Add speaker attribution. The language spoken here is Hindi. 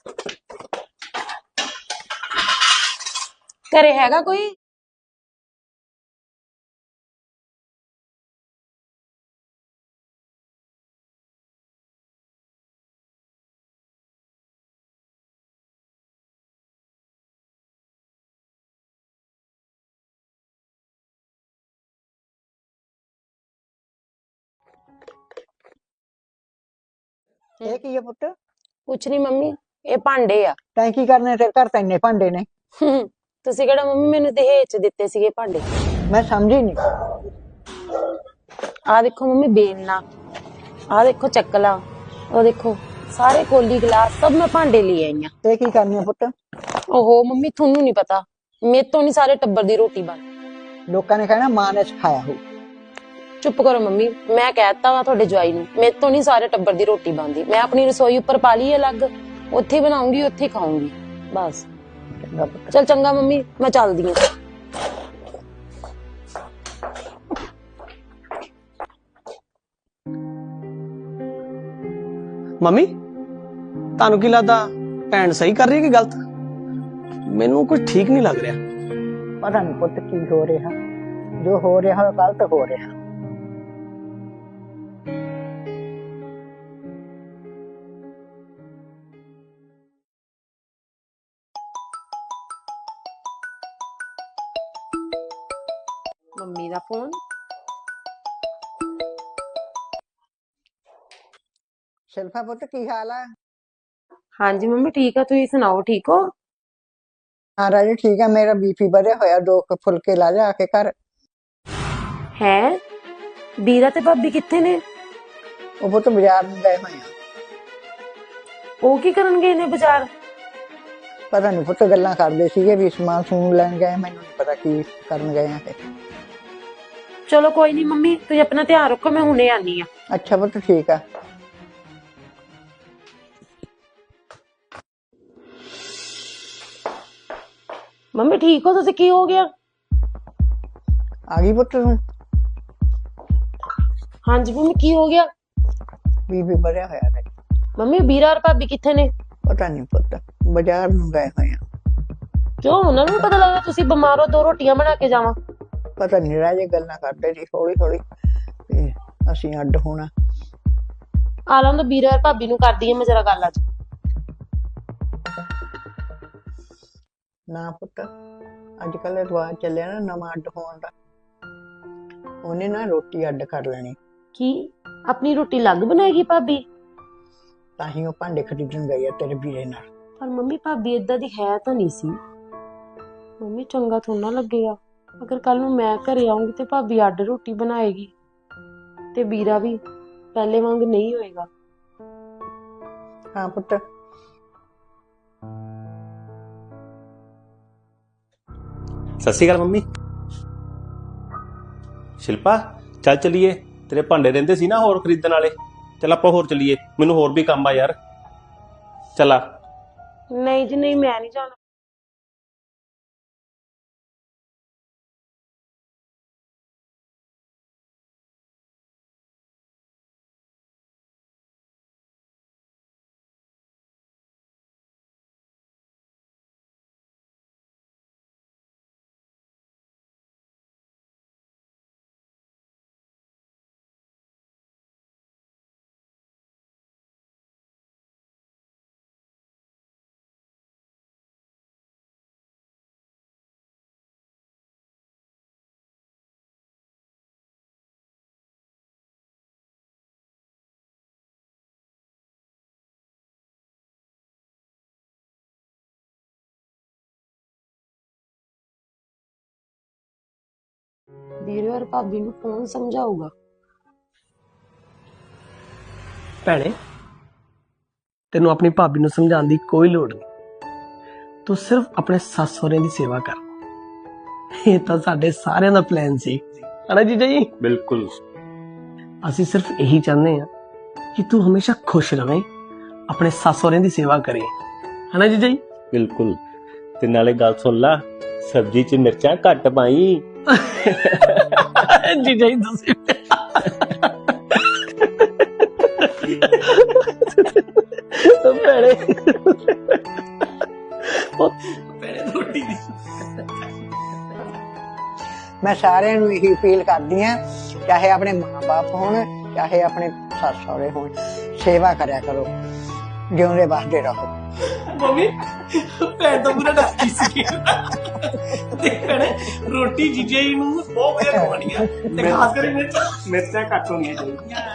Speaker 1: घरे हैगा कोई?
Speaker 2: ਇਹ ਕੀ ਹੈ ਪੁੱਤ?
Speaker 1: कुछ नहीं मम्मी, ये भांडे आ।
Speaker 2: ਤੈਂ ਕੀ ਕਰਨੇ ਤੇਰੇ ਘਰ ਤਾਂ ਇੰਨੇ ਭਾਂਡੇ ਨੇ।
Speaker 1: ਤੁਸੀਂ ਕਿਹੜਾ ਮੰਮੀ ਮੈਨੂੰ ਦਹੇਜ ਚ ਦਿੱਤੇ ਸੀਗੇ ਭਾਂਡੇ?
Speaker 2: ਮੈਂ ਸਮਝੀ ਨਹੀਂ।
Speaker 1: ਆ ਦੇਖੋ ਮੰਮੀ बेलना, आ देखो चकला, और देखो सारे कोली गिलास सब मैं भांडे ले आई हाँ।
Speaker 2: ਇਹ ਕੀ ਕਰਨੇ ਪੁੱਤ?
Speaker 1: ओहो मम्मी थोनू नहीं पता, मेरे तो नहीं सारे टब्बर दी रोटी बन।
Speaker 2: ਲੋਕਾਂ ਨੇ ਕਹਿਣਾ ਮਾਂ ਨੇ ਸਿਖਾਇਆ ਹੋ।
Speaker 1: चुप करो मम्मी, मैं कहता वा थोड़े जवाई नू, मेरे तो नहीं सारे टब्बर दी रोटी बनदी। मैं अपनी रसोई उपर पा ली अलग, उत्थे बनाऊंगी उत्थे खाऊंगी बस।
Speaker 2: ਚੰਗਾ ਪੁੱਤ।
Speaker 1: चल चंगा मम्मी, मैं चलदी हां।
Speaker 3: ਮੰਮੀ ਤੁਹਾਨੂੰ ਕੀ ਲੱਗਦਾ ਭੈਣ ਸਹੀ ਕਰ ਰਹੀ ਹੈ ਕਿ ਗਲਤ? ਮੈਨੂੰ ਕੁਝ ਠੀਕ ਨਹੀਂ ਲੱਗ ਰਿਹਾ।
Speaker 2: ਪਤਾ ਨਹੀਂ ਪੁੱਤ ਕੀ ਹੋ ਰਿਹਾ, ਜੋ ਹੋ ਰਿਹਾ ਗਲਤ ਹੋ ਰਿਹਾ।
Speaker 1: मम्मी दा फोन।
Speaker 2: शिल्पा पुत की हाल है?
Speaker 1: हाँ जी मम्मी ठीक है, तुम सुनाओ ठीक हो?
Speaker 2: हाँ राजे ठीक है, मेरा बीपी बढ़िया होया, 2 फुलके ला जा के घर।
Speaker 1: है बीरा ते भाभी किथे ने?
Speaker 2: वो पुत बाजार में गए हुए हैं।
Speaker 1: ਉਹ ਕੀ ਕਰਨ ਗਏ ਨੇ ਬਾਜ਼ਾਰ?
Speaker 2: पता नहीं पुत गल्लां करदे सीगे भी समान सून लैन गए, मैनूं नहीं पता की करन गए हैं।
Speaker 1: चलो कोई नहीं मम्मी, तुम अपना ध्यान रखो, मैं हुणे आनी आ।
Speaker 2: अच्छा पुत ठीक है।
Speaker 1: मम्मी ठीक हो तुसी? की हो गया?
Speaker 2: आ गई पुत तू?
Speaker 1: हाँ जी मम्मी की हो गया?
Speaker 2: बीपी बढ़िया होया है।
Speaker 1: मम्मी बीरा और भाभी किथे ने?
Speaker 2: पता नहीं पुत बाजार में गए हुए हैं।
Speaker 1: क्यों उन्होंने भी पता लगा तुसी बीमार हो, 2 रोटियां बना के जावा?
Speaker 2: पता नहीं राजे गल्लां करदे सी हौली हौली ते असीं अड्ड होना।
Speaker 1: आ लो तो बीरा और भाभी नूं कर दी मैं जरा गल अज।
Speaker 2: ना पुत अजकल रिवाज चलिया ना नवां अड्ड होण दा, ਉਹਨੇ ना रोटी अड्ड कर लेनी।
Speaker 1: की अपनी रोटी अलग बनाएगी भाभी?
Speaker 2: ਤਾਂ ਹੀ ਉਹ ਭਾਂਡੇ ਖਰੀਦਣ ਗਈ ਆ ਤੇਰੇ ਵੀਰੇ ਨਾਲ।
Speaker 1: पर मम्मी भाभी इदा दी है तो नहीं सी। मम्मी चंगा थोड़ा ना लगेगा अगर कल नूं मैं घरे आऊंगी तो भाभी अड्ड रोटी बनाएगी ते बीरा भी पहले वांग नहीं होएगा।
Speaker 2: हाँ पुत।
Speaker 4: सत श्री अकाल मंमी। शिल्पा चल चलीए, तेरे भांडे रहिंदे सी ना होर खरीदण वाले, चल आपां होर चलीए, मैनूं होर भी काम आ यार, चला।
Speaker 1: नहीं जी नहीं, मैं नहीं जाना। ਵੀਰੇ और भाभी ਨੂੰ कौन समझाऊगा?
Speaker 3: ਭੈਣੇ ਤੈਨੂੰ ਆਪਣੀ ਭਾਬੀ ਨੂੰ ਸਮਝਾਉਣ ਦੀ ਕੋਈ ਲੋੜ ਨਹੀਂ, ਤੂੰ ਸਿਰਫ ਆਪਣੇ ਸੱਸ ਸਹੁਰੇ ਦੀ ਸੇਵਾ ਕਰ। ਇਹ ਤਾਂ ਸਾਡੇ ਸਾਰਿਆਂ ਦਾ ਪਲਾਨ ਸੀ, ਹਨਾ ਜੀਜਾ ਜੀ?
Speaker 4: बिल्कुल।
Speaker 3: ਅਸੀਂ ਸਿਰਫ ਇਹੀ ਚਾਹੁੰਦੇ ਹਾਂ ਕਿ ਤੂੰ ਹਮੇਸ਼ਾ ਖੁਸ਼ ਰਵੇਂ, ਆਪਣੇ ਸੱਸ ਸਹੁਰੇ ਦੀ ਸੇਵਾ ਕਰੇ, ਹਨਾ ਜੀਜਾ ਜੀ?
Speaker 4: बिल्कुल। ते नाले गल सुन ला, सब्जी च मिर्चां घट पाई।
Speaker 3: ਜੀਜਾ ਜੀ ਤੁਸੀਂ ਭੈਣੇ ਭੈਣੇ ਉਹ ਭੈਣੇ ਰੋਟੀ ਦੀ
Speaker 2: ਮੈਂ ਸਾਰਿਆਂ ਨੂੰ ਇਹੀ ਅਪੀਲ ਕਰਦੀ ਆ, ਚਾਹੇ ਆਪਣੇ ਮਾਂ-ਬਾਪ ਹੋਣ ਚਾਹੇ ਆਪਣੇ ਸੱਸ ਸਹੁਰੇ ਹੋਣ, ਸੇਵਾ ਕਰਿਆ ਕਰੋ, ਜਿਉਂਦੇ ਵਸਦੇ ਰਹੋ।
Speaker 3: ਮੰਮੀ ਭੈਣ ਤਾਂ ਪੂਰਾ ਡੱਕੀ ਸੀ ਤੇ ਭੈਣੇ ਰੋਟੀ ਜੀਜੇ ਨੂੰ ਬਹੁਤ ਵਧੀਆ ਖਵਾਉਣੀ ਆ ਤੇ ਖਾਸ ਕਰਕੇ ਮਿਰਚਾਂ ਘੱਟ ਹੋਣੀਆਂ ਚਾਹੀਦੀਆਂ।